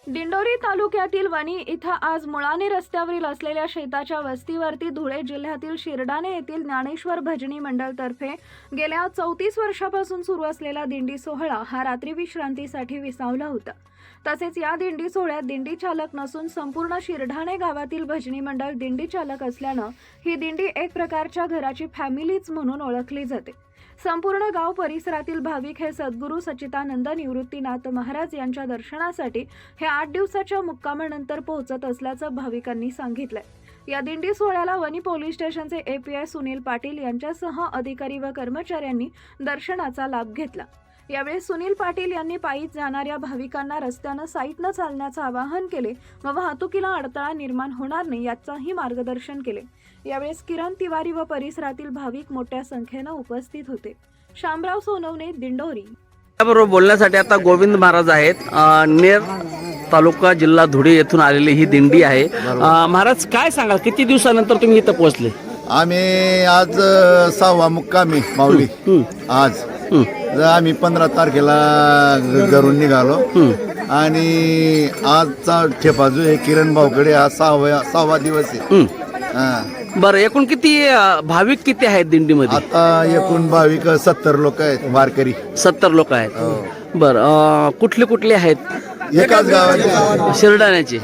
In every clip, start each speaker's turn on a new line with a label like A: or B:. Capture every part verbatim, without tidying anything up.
A: दिंडोरी तालुक्यातील वणी इथं आज मुळाणे रस्त्यावरील असलेल्या शेताच्या वस्तीवरती धुळे जिल्ह्यातील शिरडाणे येथील ज्ञानेश्वर भजनी मंडळतर्फे गेल्या चौतीस वर्षापासून सुरू असलेला दिंडी सोहळा हा रात्री विश्रांतीसाठी विसावला होता। तसेच या दिंडी सोहळ्यात दिंडी चालक नसून संपूर्ण शिरडाणे गावातील भजनी मंडळ दिंडी चालक असल्यानं ही दिंडी एक प्रकारच्या घराची फॅमिलीच म्हणून ओळखली जाते। संपूर्ण गाव परिसरातील भाविक हे सद्गुरू सच्चिदानंद निवृत्तीनाथ महाराज यांच्या दर्शनासाठी हे आठ दिवसाच्या मुक्कामानंतर पोहोचत असल्याचं भाविकांनी सांगितलंय। या दिंडी सोहळ्याला वणी पोलीस स्टेशनचे एपीआय सुनील पाटील यांच्यासह अधिकारी व कर्मचाऱ्यांनी दर्शनाचा लाभ घेतला। यावेळी सुनील पाटील यांनी पायी जाणाऱ्या भाविकांना रस्त्यानं साईटनं चालण्याचं आवाहन केले व वाहतुकीला अडथळा निर्माण होणार नाही याचंही मार्गदर्शन केले। यावेळेस किरण तिवारी व परिसरातील भाविक मोठ्या संख्येनं उपस्थित होते। शामराव सोनवणे, दिंडोरी।
B: बरोबर बोलण्यासाठी आता गोविंद महाराज आहेत। नेर तालुका जिल्हा धुळे येथून आलेली ही दिंडी आहे। महाराज काय सांगाल, किती दिवसानंतर तुम्ही इथं पोहोचले?
C: आम्ही आज सहावा मुक्कामी माऊली। आज आम्ही पंधरा तारखेला घरून निघालो आणि आजचा ठेपा जो आहे किरण भाऊकडे हा सहावा सहावा दिवस आहे।
B: बरं, एकूण किती भाविक किती आहेत दिंडीमध्ये?
C: आता एकूण भाविक सत्तर लोक आहेत, वारकरी
B: सत्तर लोक आहेत। बरं, कुठले कुठले आहेत?
C: एकाच गावाचे,
B: शिरडाण्याचे।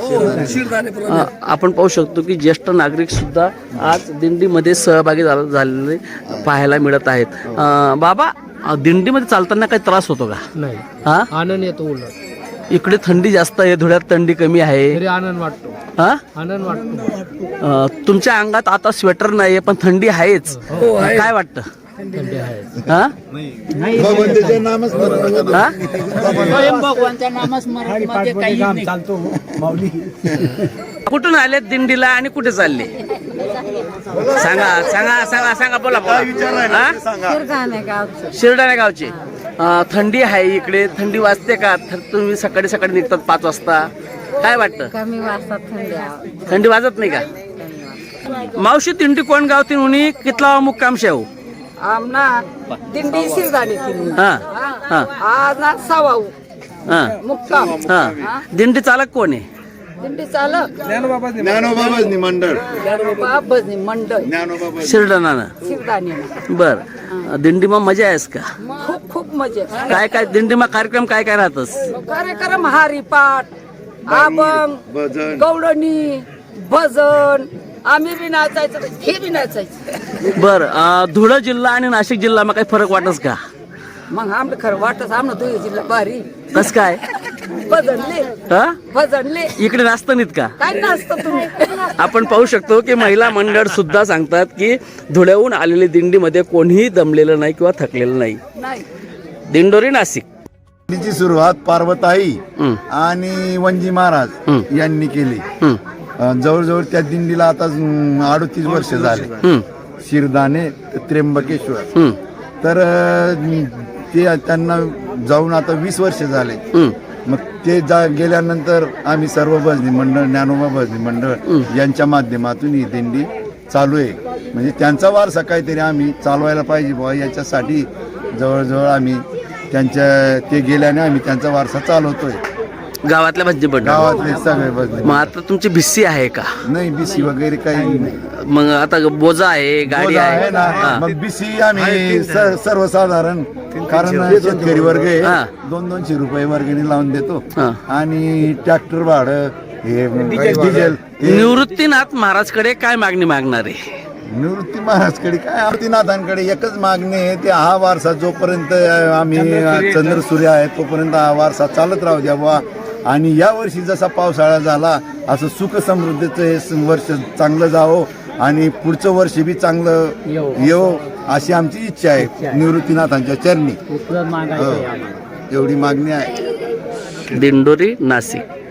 B: आपण पाहू शकतो की ज्येष्ठ नागरिक सुद्धा आज दिंडीमध्ये सहभागी झालेले पाहायला मिळत आहेत। बाबा, दिंडीमध्ये चालताना काही त्रास होतो का?
D: नाही,
B: हा,
D: आनंद येतो। उलट
B: इकडे थंडी जास्त आहे, धुळ्यात थंडी कमी आहे,
D: तरी आनंद वाटतो।
B: हा,
D: आनंद वाटतो।
B: अ, तुमच्या अंगात आता स्वेटर नाहीये पण थंडी आहेच, काय वाटतं?
D: थंडी आहे।
B: हा,
C: भगवंताचं नामच
B: हा?
E: भगवानच्या नामस्मरण मध्ये काही नाही चालतो माऊली।
B: कुठून आले दिंडीला आणि कुठे चालले? सांगा सांगा सांगा सांगा बोला बोला। शिरडाणे गावचे। थंडी आहे इकडे, थंडी वाजते का? तुम्ही सकाळी सकाळी निघतात पाच वाजता, काय वाटतं?
F: कमी वाजता थंडी
B: थंडी वाजत नाही का? मावशी, दिंडी कोण गाव ती उनी कितला मुक्काम शेव?
F: आमना दिंडी शिरदाणी
B: हा हा
F: आज ना सवाऊ
B: हा
F: मुक्काम।
B: हा, दिंडी चालक कोण आहे?
F: दिंडी चालक
C: ज्ञानोबाबाजनी मंडळ,
F: बाबाजनी मंडळ
B: शिरडाणा।
F: शिरदाणी।
B: बर, दिंडी मग मजा आहेस का?
F: खूप खूप मजा।
B: काय काय दिंडी मग कार्यक्रम काय काय राहतस?
F: कार्यक्रम हरिपाठ, अभंग,
C: भजन,
F: गवळणी, भजन, आम्ही बी नाचायचं, हे बी नाचायचं।
B: बर, धुळे जिल्हा आणि नाशिक जिल्हा मग काही फरक वाटस का?
F: मग आमचं खरं वाटत आमना धुळे जिल्हा भारी।
B: कस काय?
F: भजनले
B: हा,
F: भजनले
B: इकडे नाचतं नाहीत का?
F: काय नाचतं तुम्ही?
B: आपण पाहू शकतो की महिला मंडळ सुद्धा सांगतात की धुळ्याहून आलेली दिंडीमध्ये कोणीही दमलेलं नाही किंवा थकलेलं नाही।
F: नाही।
B: दिंडोरी, नाशिक।
C: दिंडीची सुरुवात पार्वताई आणि वंजी महाराज यांनी केली। जवळजवळ त्या दिंडीला आता अडतीस वर्ष झाले। शिरदाणे त्र्यंबकेश्वर, तर ते त्यांना जाऊन आता वीस वर्ष झाले। मग ते जा गेल्यानंतर आम्ही सर्व भजनी मंडळ, ज्ञानोबा भजनी मंडळ यांच्या माध्यमातून ही दिंडी चालू आहे। म्हणजे त्यांचा वारसा काहीतरी आम्ही चालवायला पाहिजे बुवा, याच्यासाठी जवळजवळ आम्ही त्यांच्या ते गेल्याने आम्ही त्यांचा वारसा चालवतोय।
B: गावातल्या भजनी मंडळ,
C: गावातले सगळे भजनी।
B: मग आता तुमची भिस्सी आहे का?
C: नाही, बिसी वगैरे काही नाही।
B: मग आता बोजा आहे, गाडी आहे
C: ना, मग बिसी आम्ही सर्वसाधारण, कारण शेतकरी वर्ग आहे, दोन दोनशे रुपये वर्गणी लावून देतो आणि ट्रॅक्टर भाडं, हे डिझेल।
B: निवृत्तीनाथ महाराजकडे काय मागणी मागणार आहे?
C: निवृत्ती महाराजकडे काय, निवृत्तीनाथांकडे एकच मागणी आहे, ते हा वारसा जोपर्यंत आम्ही चंद्र सूर्य आहे तोपर्यंत हा वारसा चालत राहू द्या बुवा। आणि या वर्षी जसा पावसाळा झाला असं सुख समृद्धीचं हे वर्ष चांगलं जावं आणि पुढचं वर्ष बी चांगलं येवो अशी आमची इच्छा आहे निवृत्तीनाथांच्या चरणी। एवढी मागणी आहे।
B: दिंडोरी, नाशिक।